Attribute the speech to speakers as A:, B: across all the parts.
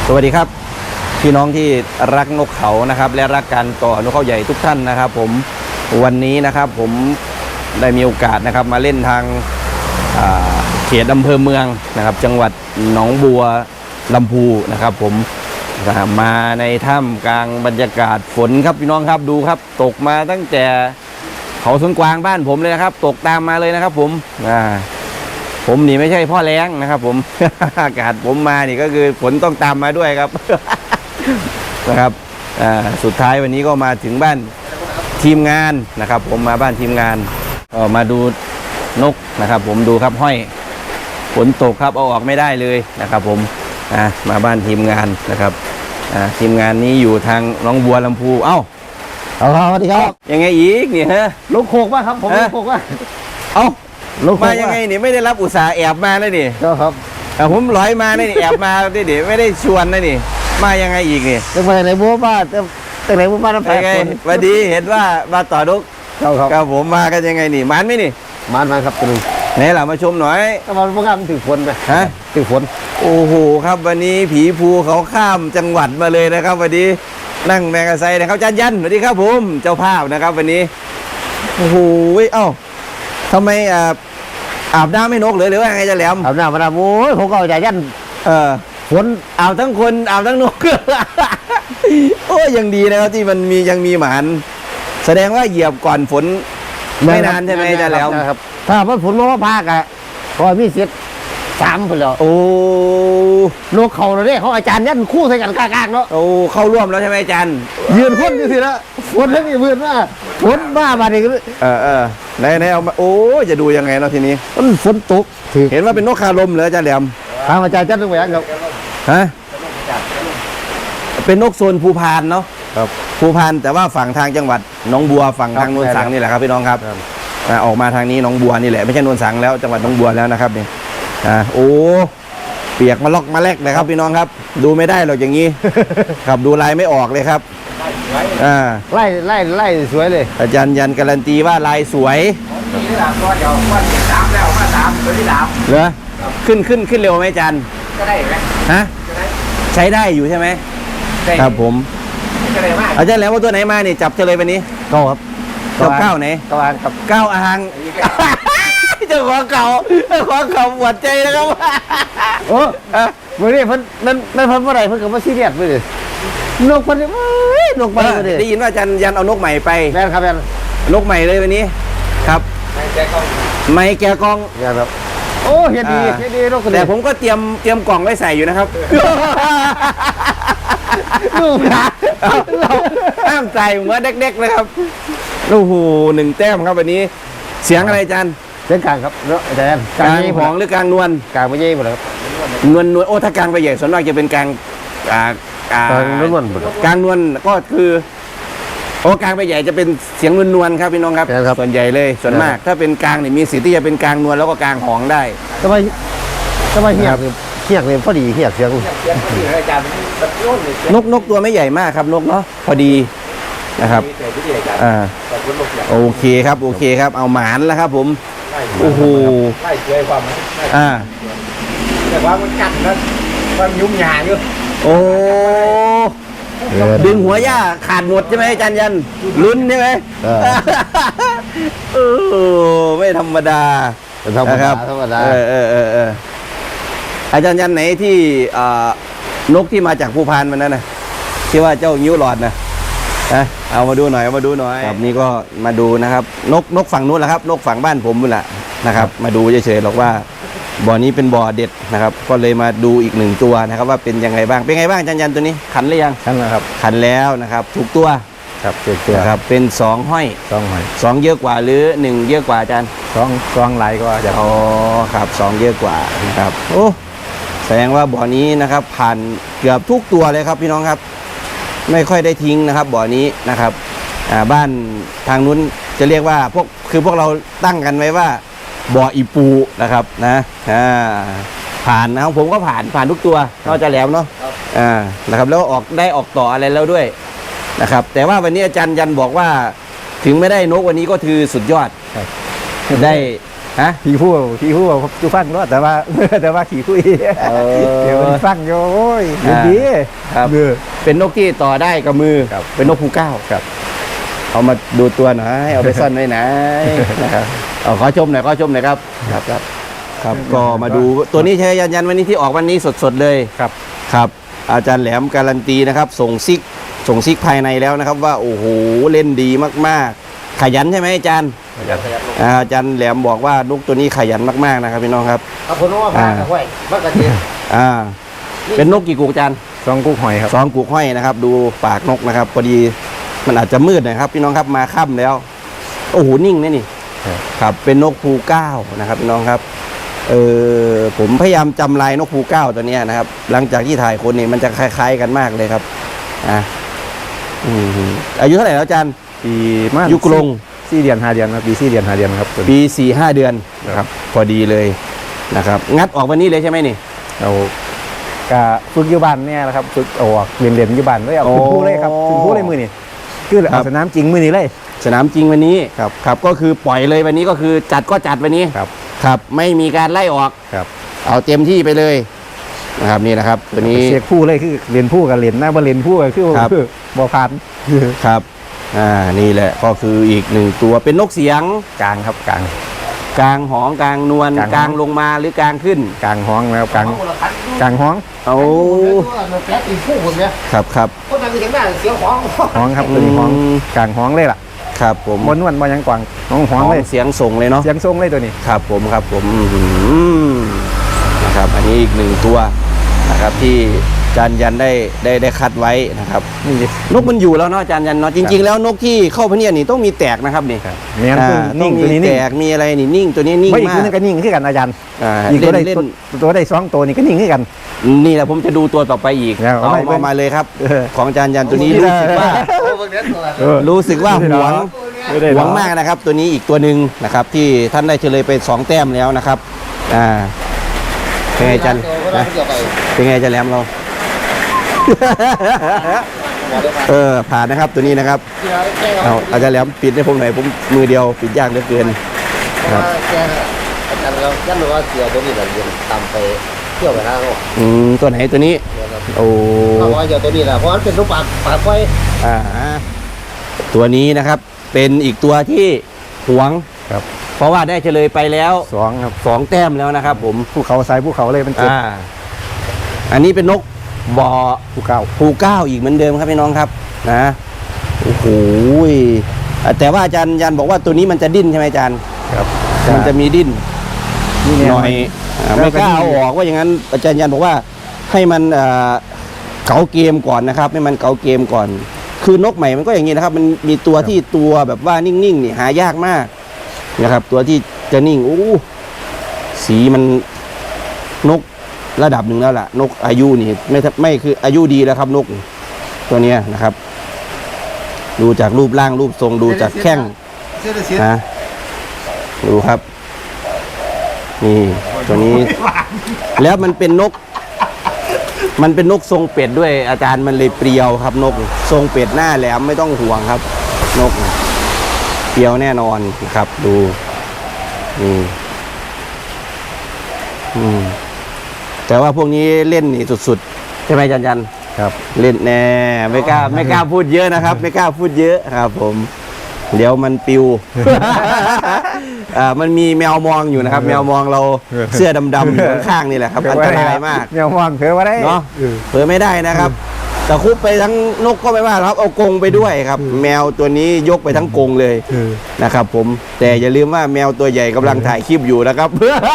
A: สวัสดีครับพี่น้องที่รักนกเขานะครับและรักการต่อนกเขาใหญ่ทุกท่านนะครับผมวันนี้นะครับผมได้มีโอกาสนะครับมาเล่นทางเขตอำเภอเมืองนะครับจังหวัดหนองบัวลำพูนะครับผมมาในถ้ำกลางบรรยากาศฝนครับพี่น้องครับดูครับตกมาตั้งแต่เขาสวนกวางบ้านผมเลยนะครับตกตามมาเลยนะครับผมนี่ไม่ใช่พ่อแล้งนะครับผม อากาศผมมานี่ก็คือฝนต้องตามมาด้วยครับ นะครับสุดท้ายวันนี้ก็มาถึงบ้านทีมงานนะครับผมมาบ้านทีมงานมาดูนกนะครับผมดูครับห้อยฝนตกครับเอาออกไม่ได้เลยนะครับผมมาบ้านทีมงานนะครับทีมงานนี้อยู่ทางหนองบัวลำพูเอ้า
B: สวัสดีครับ
A: ยังไงอีกเนี่ยฮะ
B: ลูกโขกป่ะครับผมลูกโขกป่ะ
A: เอ้ามายังไงนี่ไม่ได้รับอุตส่าห์แอบมาเลยนี่
B: ครับ
A: ผมลอยมาเนี่ยแอบมาดิไม่ได้ชวนนะนี่มายังไงอีกนี่
B: ตั้งแต่ไหนบัวบ้านตั้งไหนบัวบ้านน้ำแข็ง
A: วันดีเห็นว่ามาต่อดุกครับผมมากันยังไงนี่มันไหมนี่
B: มันครับตัวนึง
A: ไหนล่ะมาชมหน่อย
B: ถ้ามันพวกมันถือฝนไป
A: ฮะ
B: ถือฝน
A: โอ้โหครับวันนี้ผีภูเขาข้ามจังหวัดมาเลยนะครับวันนี้นั่งแมกไซค์นะครับจันยันสวัสดีครับผมเจ้าภาพนะครับวันนี้โอ้โหเอ้าทำไมอาบน้ำไม่นกหรือว่าไงจะแหลม
B: อาบน้ำมาแล้วโอ้ยผมก็ใจยันฝน
A: อาบทั้งคนอาบทั้งนก โอ้ยยังดีนะครับที่มันมียังมีหมานแสดงว่าเหยียบก่อนฝนไม่นานใช่ไหมจะแหลม
B: ครับถ้ามันฝนมาพากอ่ะพอมีเสีย3คนแล้ว
A: โอ้
B: นกเขาเนี่ยเขาอาจารย์ยันคู่ใส่กันกลางๆเนาะ
A: โอ้เข้าร่วมแล้วใช่ไหมอาจารย์
B: ยืนพ่นอยู่สิละฝนแล้วมีเพื่อนว่าฝนบ้ามาดิ
A: ไหนเอามาโอ้จะดูยังไงเนาะทีนี้
B: มันฝนตก
A: เห็นว่าเป็นนกคาลมเหรออาจารย์แหลม
B: ทางอาจารย์จันทร์แหวนครับ
A: ฮะเป็นนกโซนภูพานเนาะ
B: ครับ
A: ภูพานแต่ว่าฝั่งทางจังหวัดหนองบัวฝั่งทางนนสังนี่แหละครับพี่น้องครับออกมาทางนี้หนองบัวนี่แหละไม่ใช่นนสังแล้วจังหวัดหนองบัวแล้วนะครับนี่โอ้เปียกมาล็อกมาแลกเลยครับพี่น้องครับดูไม่ได้หรอกอย่างนี้ ครับดูลายไม่ออกเลยครับ
B: ไล่สวยเลย
A: อาจารย์ยันการันตีว่าลายสวยเหรอขึ้นเร็วไหมอาจารย์
C: ก็ได้ไหม
A: ฮะใช้ได้อยู่ใช่ไหมครับผมอาจารย์แล้วว่าตัวไหนมานี่จับเฉลยวันนี้
B: ครับ
A: เก้าไหน
B: กับ
A: 9อ่างเจ้าของเก่าปวดใจนะครับ
B: โอ้เมื่อนี้เพิ่นนั่นเพิ่นเมื่อไรเพิ่นกับว่าซีเรียสไปเลยนกมันนกมัน
A: ได้ยินว่าอาจารย์ยันเอานกใหม่ไป
B: แม่ครับแม่
A: นกใหม่เลยวันนี้ครับไม่แกกอง
B: ครับโอ้เห็นดีนก
A: แต่ผมก็เตรียมกล่องไว้ใส่อยู่นะครับ
B: ลูกนะ
A: เราห้ามใจเหมือนเด็กๆเลยครับโอ้โห1 แต้มครับวันนี้เสียงอะไรอาจารย์
B: เสียงกลางครับเนาะอาจารย์
A: กลางหองหรือกลางนวล
B: กลางไม่ใช่หมดครับ
A: นวลโอ้ถ้ากลางไปใหญ่ส่วนมากจะเป็นกลาง
B: นวล
A: กลางนวลก็คือโอ้กลางไปใหญ่จะเป็นเสียงนวลครับพี่น้องครับส่วนใหญ่เลยส่วนมากถ้าเป็นกลางเนี่ยมีสิทธิ์ที่จะเป็นกลางนวลแล้วก็กลางหองได้
B: ทำไมเฮียกเลยพอดีเฮียกเสียง
A: นกตัวไม่ใหญ่มากครับนกเนาะพอดีนะครับโอเคครับเอาหมานแล้วครับผมโอ้โห
C: ไล่สวยความแต่ว่ามันกัดแล้วมันยุ่งยากอยู่
A: โอ้ดึงหัวย่าขาดหมดใช่ไหมอาจารย์ยันลุ้นใช่ไหมไม่ธรรมดา
B: นะครับ
A: อาจารย์ยันไหนที่นกที่มาจากภูพานมันนั่นนะที่ว่าเจ้างิ้วหลอดนะเอามาดูหน่อยครับนี่ก็มาดูนะครับนกฝั่งนู้นแหละครับนกฝั่งบ้านผมนี่แหละนะครับมาดูเฉยๆหรอกว่าบ่อนี้เป็นบ่อเด็ดนะครับก็เลยมาดูอีก1 ตัวนะครับว่าเป็นยังไงบ้างเป็นไงบ้างอาจารย์ยันตัวนี้ขันหรือยัง
B: ขันแล้วครับ
A: ขันแล้วนะครับถูกตัว
B: ครับถูกตัว
A: ครับเป็น2 ห้อย2เยอะกว่าหรือ1เยอะกว่าอาจารย์
B: 2หลายกว่า
A: อ๋อครับ2เยอะกว่านะครับโอ้แสดงว่าบ่อนี้นะครับผ่านเกือบทุกตัวเลยครับพี่น้องครับไม่ค่อยได้ทิ้งนะครับบ่อนี้นะครับบ้านทางนู้นจะเรียกว่าพวกเราตั้งกันไว้ว่าบ่ออีปูนะครับนะผ่านนะครับผมก็ผ่านทุกตัวนอกจากแหลมเนาะนะครับแล้วออกต่ออะไรแล้วด้วยนะครับแต่ว่าวันนี้อาจารย์ยันบอกว่าถึงไม่ได้นกวันนี้ก็คือสุดยอดได้ฮะ
B: ขี่ผู้จูฟังรอดแต่ว่า แต่ว่าขี่คุยเดี๋ยวมันฟังโยโอ้ยดี
A: ครับ เป็นนกที่ต่อได้กับมือ
B: ครับ
A: เป็นนกภูเก้า
B: ครับ
A: เอามาดูตัวหน่อยเอาไปซ่อนไว้ไหนนะครับเอาขอชมหน่อยครับครับ ก็มาดูตัวนี้ใช้ยันวันนี้ที่ออกวันนี้สดๆเลย
B: ครับ
A: ครับ อาจารย์แหลมการันตีนะครับ ส่งซิกภายในแล้วนะครับ ว่าโอ้โหเล่นดีมากๆ ขยันใช่ไหมอาจารย์อาจารย์แหลมบอกว่านกตัวนี้ขยันมากๆนะครับพี่น้องครับ
C: เอาคนว่าพาไว้มากกว่านี้
A: เป็นนกกี่กุกอาจารย์
B: ซองกุ๊กหอยครับ
A: 2กุกห้อยนะครับ ดูปากนกนะครับพอดีมันอาจจะมืดหนะครับพี่น้องครับมาค่ำแล้วโอ้โหนิ่งนะนี่ ครับเป็นนกภูเก้านะครับพี่น้องครับผมพยายามจำลายนกภูเก้าตัวเนี้ยนะครับ หลังจากที่ถ่ายคนนี่มันจะคล้ายๆกันมากเลยครับอายุเท่าไหร่แล้วอาจารย์
B: ปีมา
A: ยุคลง
B: 4 เดือน 5 เดือนครับปี 4 เดือน 5 เดือนครับ
A: ปี 4-5 เดือนนะครับพอดีเลยนะครับงัดออกวันนี้เลยใช่ไหมนี่
B: เราก็ฝึกอยู่บ้านเนี่ยนะครับฝึกออกเรียนอยู่บ้านเลยเอาขึ้นผู้เลยครับขึ้นผู้เลยมือนี่คือเอาสนามจริงมือนี่เลย
A: สนามจริงวันนี้ครับก็คือปล่อยเลยวันนี้ก็คือจัดก็จัดวันนี้ ครับไม่มีการไล่ออก
B: ครับ
A: เอาเต็มที่ไปเลยนะครับนี่นะครับตัวนี้
B: เสียผู้เลยคือเรียนผู้กับเรียนหน้าบ่เรียนผู้ก็คือ
A: ครับ
B: บ่ผ่าน
A: ครับนี่แหละก็คืออีกหนึ่งตัวเป็นนกเสียง
B: กลางครับกลาง
A: กลางหองกลางนวล
B: กลาง
A: กลางลงมาหรือกลางขึ้น
B: กลางห้องแล้วกลางห้อง
A: เอา
C: แป๊บตีคู่ผมเนี่ย
A: ครับ
C: คนนั้นก็ยังได้เสียงของ
B: ห้องครับตัวนี้ห้องกลางห้องเลยล่ะ
A: ครับผม
B: บนนวลบ่ยังกวางห้องเลย
A: เสียงส่งเลยเนาะ
B: เสียงทรงเลยตัวนี้
A: ครับผมนะครับอันนี้อีกหนึ่งตัวนะครับที่อาจารย์ยันได้คัดไว้นะครับ
B: นี่ดิ
A: นกมันอยู่แล้วเนาะอาจารย์ยันเนาะจริงๆแล้วนกที่เข้าพะเนียดนี่ต้องมีแตกนะครับนี่
B: แม่นคือนิ่ง
A: ต้
B: ตัว
A: มี
B: นี้
A: แต
B: นิ่ง
A: กมีอะไรนี่นิ่งตัวนี้นิ่ง
B: ไม่อีก
A: มา
B: ตัวนึง
A: ก
B: ก็นิ่งคือกันอาจารย์
A: อี
B: อี
A: ก
B: กตัวได้
A: เล่น
B: ตัวได้2ตัวนี่ก็นิ่งคือกัน
A: นี่แหละผมจะดูตัวต่อไปอีก
B: แล้ว
A: เอา
B: ไม่
A: มาเลยครับ
B: เออ
A: ของอาจารย์ยันตัวนี้รู้สึกว่า รู้สึกว่าหวง
B: ไม่ได้
A: ห
B: หร
A: วงมากนะครับ ตัวนี้อีกตัวหนึ่งนะครับ ที่ท่านได้เฉลยไป2แต้มแล้วนะครับเป็นไงอาจันนะเป็นไงอาจันแหลมเรา ผ่านนะครับตัวนี้นะครับเอาอาจารย์แหลมปิดให้ผมหน่อยผมมือเดียวปิดยากเหลือเกิน
C: ครับแกอาจารย์เรายันรู้ว่าเสียตัวนี้เราเรียนตามไปเที่ยวไปทางโลก
A: ตัวไหนตัวนี้ โอ้
C: เพราะว่าเดี๋ยวตัวนี้แหละเพราะมันเป็นรูปปากไฟ
A: ตัวนี้นะครับเป็นอีกตัวที่หวง
B: ครับ
A: เพราะว่าได้เฉลยไปแล้ว
B: 2ครับ
A: 2แต้มแล้วนะครับ ผม
B: ภูเขาทรายภูเขาเลยมันเจ็บ
A: อันนี้เป็นนกบ่อ
B: ภูเขา
A: ภูเก้าอีกเหมือนเดิมครับพี่น้องครับนะโอ้โหแต่ว่าอาจารย์ยันบอกว่าตัวนี้มันจะดิ้นใช่ไหมอาจารย์
B: ครับ
A: มันจะมีดิ้น
B: นี่
A: หน่อยไม่กล้าเอาออกว่าอย่างนั้นอาจารย์ยันบอกว่าให้มันเก๋าเกมก่อนนะครับให้มันเก๋าเกมก่อน คือนกใหม่มันก็อย่างนี้นะครับ มันมีตัวที่ตัวแบบว่านิ่งๆนี่หายากมากนะครับ ตัวที่จะนิ่งสีมันนกระดับหนึ่งแล้วล่ะ นกอายุนี่ไม่คืออายุดีแล้วครับ นกตัวเนี้ยนะครับ ดูจากรูปร่างรูปทรงดูจากแข้งนะดูครับ นี่ตัวนี้ แล้วมันเป็นนกทรงเป็ดด้วยอาจารย์มันเลยเปรียวครับ นกทรงเป็ดหน้าแหลมไม่ต้องห่วงครับ นกเปรียวแน่นอนนะครับ ดูแต่ว่าพวกนี้เล่นนี่สุดๆใช่ไหมอาจารย์ยัน
B: ครับ
A: เล่นแน่ไม่กล้าพูดเยอะนะครับ ไม่กล้าพูดเยอะครับ ผมเดี๋ยวมันปิว มันมีแมวมองอยู่นะครับ แมวมองเราเสื้อดำๆอยู่ข้างๆนี่แหละครับอันตรายมาก
B: แนวมองเผลอว่าได้
A: เนาะเผลอไม่ได้นะครับแต่คุบไปทั้งนกก็ไม่ว่าครับเอากรงไปด้วยครับ แมวตัวนี้ยกไปทั้งกรงเลยนะครับ ผมแต่อย่าลืมว่าแมวตัวใหญ่กำลังถ่ายคลิปอยู่นะครับ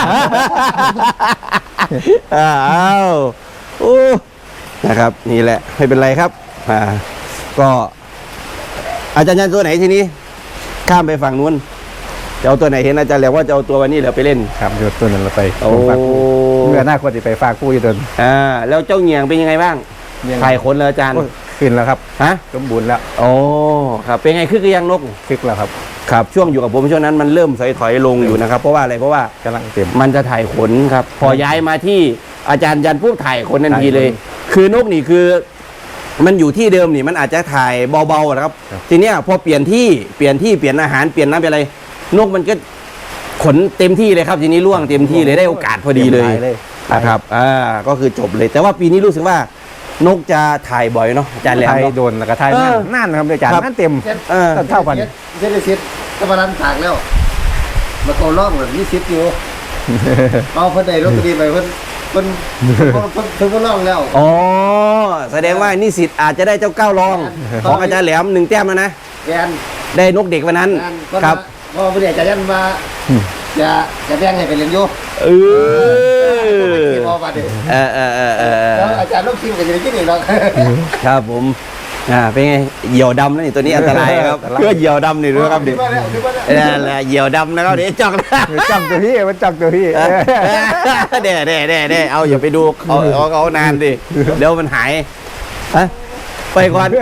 A: อ้าวโอ้นะครับ นี่แหละไม่เป็นไรครับก็อาจารย์ยันตัวไหนทีนี้ข้ามไปฝั่งนู้นจะเอาตัวไหนเห็นอาจารย์แล้วว่าจะเอาตัววันนี้เหลือไปเล่น
B: ครับเดี๋ยวตัวนั้นเราไป
A: โอ้
B: ฝากผู้เมื่อหน้าควรจะไปฝากผู้อยู่ตัว
A: แล้วเจ้าเหงียงเป็นยังไงบ้างถ่ายขนเลยอาจารย์
B: ขึ้นแล้วครับ
A: ฮะ
B: สมบูรณ์แล้ว
A: โอ้ครับเป็นไงคือยังนก
B: คึกแล้วครับ
A: ครับช่วงอยู่กับผมช่วงนั้นมันเริ่มถอยลงอยู่นะครับ เพราะว่าอะไรเพราะว่าก
B: ำลังเต็ม
A: มันจะถ่ายขนครับ พอย้ายมาที่อาจารย์ยันปุ๊บถ่ายขนทันทีเลย
B: ถ่ายข
A: คือนกนี่คือ มันอยู่ที่เดิมนี่มันอาจจะถ่ายเบาๆนะครับ ทีเนี้ยพอเปลี่ยนที่เปลี่ยนอาหารเปลี่ยนน้ำเปลี่ยนอะไร นกมันก็ขนเต็มที่เลยครับทีนี้ล่วงเต็มที่เลยได้โอกาสพอดีเลย
B: เลย
A: นะครับก็คือจบเลยแต่ว่าปีนี้รู้สึกว่านกจะถ่ายบ่อยเนาะอาจารย์แหลม
B: ไทย
A: เนาะ
B: โดนแล้วก็ไทยนั่นนะครับอาจารย์
A: ครับ
B: นั่นเต็ม
A: เออ
B: เท่ากัน
C: เซ็ตเซ็ตกำลังถากแล้วมาโกล่องแบบนี้ซิดอยู่เอาเพิ่นได้ลอตเตอรี่ไปเพิ่นก็ล่องแล้ว
A: อ๋อแสดงว่านิสิตอาจจะได้เจ้าเก้ารองของอาจารย์แหลม1 แต้มแล้วนะ
C: แกน
A: ได้นกเด็กวันนั้น
C: ก็
A: ครับ
C: พอเพิ่นอยากจะยันมาจะแบ่งให้ไปเรียนอยู่
A: เออ
C: พอมาดิ
A: เอ
C: แล้วอาจารย์ลูกทีมก็จะได้กินอีกหรอก
A: ครับผมเป็นไงเหยี่ยวดำนะนี่ตัวนี้อันตรายครับเพื่อเหยี่ยวดำนี่ด้วยครับเด็ก
C: มาแล้วมาแล้ว
A: นั่นแหละเหยี่ยวดำนะครับเดี๋ยวจ้องนะ
B: จับตัวพี่มันจับตัวพี่
A: เด้เอาอย่าไปดูเอานานดิเดี๋ยวมันหายฮะไปก่อน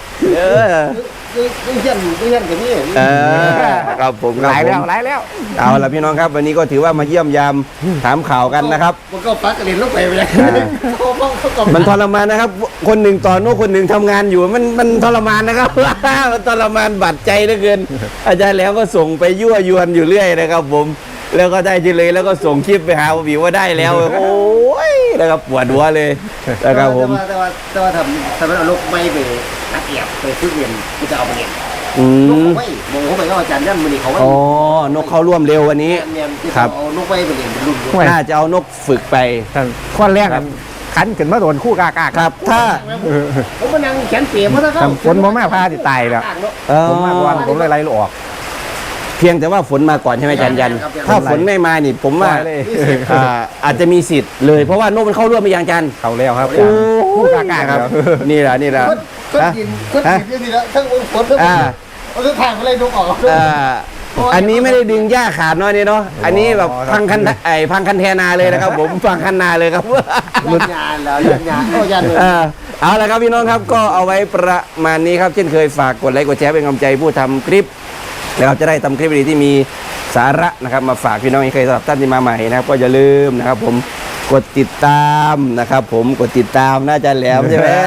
C: ก็เฮียนกับนี่
A: ครับผม
B: หลายแล้ว
A: เอาละพี่น้องครับวันนี้ก็ถือว่ามาเยี่ยมยามถามข่าวกันนะครับ
C: มันก็ปักกระเด็นลงไปเลย
A: มันทรมานนะครับ คนหนึ่งต่อโน้คนหนึ่งทำงานอยู่มันทรมานนะครับ มันทรมานบาดใจเหลือเกิน อาจารย์แล้วก็ส่งไปยั่วยวนอยู่เรื่อยนะครับ ผมแล้วก็ได้ทีเลยแล้วก็ส่งคลิปไปหาผมว่าได้แล้ว โอ้ยนะครับปวดหัวเลยนะครับผม
C: แต่ว่าทำเอาลูกไม่ไปนักเอียบไปซื้อเรียนกูจะเอาไปเรียน
A: อื
C: นก
A: ม
C: เขาไม่บอกเขาไปก็อาจารย์นั่นมันนี่เขาไม่
A: อ๋อนกเข้าร่วมเร็ววันนี้
C: เรียนที่
A: ครับ
C: เอานกไม่ไปเรียนเป็นรุ่นด้วย
A: น่าจะเอานกฝึกไป
B: ข้อแรกขันขึ้นมาโดนคู่กากา
A: ครับ ถ้า
C: ผมมานั่งแขนเปียกเพราะถ้าเขา
B: ฝนบ่มาพาติตายแล้ว ผมมาก่อนผมเลยไล่ลูกออก
A: เพียงแต่ว่าฝนมาก่อนใช่ไหมอาจารย์ยัน ถ้าฝนไม่มานี่ผมว่า
B: เลย
A: อาจจะมีสิทธิ์เลยเพราะว่านกมันเข้าร่วมไปยังอาจารย์
B: เขาแล้วครับ
A: โอ้
B: คู่กากาครับ
A: นี่แหละนี่แหละ
C: ก็กินนี่แล้วทั้งฝนทั้งมันก็ทางอะไรนกออก
A: อันนี้ไม่ได้ดึงหญ้าขาดเนาะนี่เนาะอันนี้แบบพังคันแทนาเลยนะครับ ผมพังคันนาเลยครับ
C: รุ่นงานแล้วรุ่นงานก็ยันเลย
A: เอาละครับพี่น้องครับก็เอาไว้ประมาณนี้ครับเช่นเคยฝากกดไลค์กดแชร์เป็นกำลังใจผู้ทำคลิปแล้วจะได้ทำคลิปดีที่มีสาระนะครับมาฝากพี่น้องอีกเคยสำหรับท่านที่มาใหม่นะครับก็อย่าลืมนะครับผมกดติดตามนะครับผมกดติดตามน่าจะแหลมใช่ไหม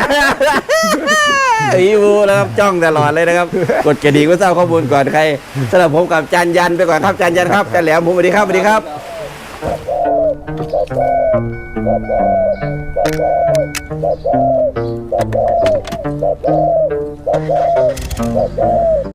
A: อีวูนะครับจ้องตลอดเลยนะครับกดกระดิ่งเพื่อทราบข้อมูลก่อนใครสำหรับผมกับจานยันไปก่อนครับจานยันครับจานแหลมผมสวัสดีครับสวัสดีครับ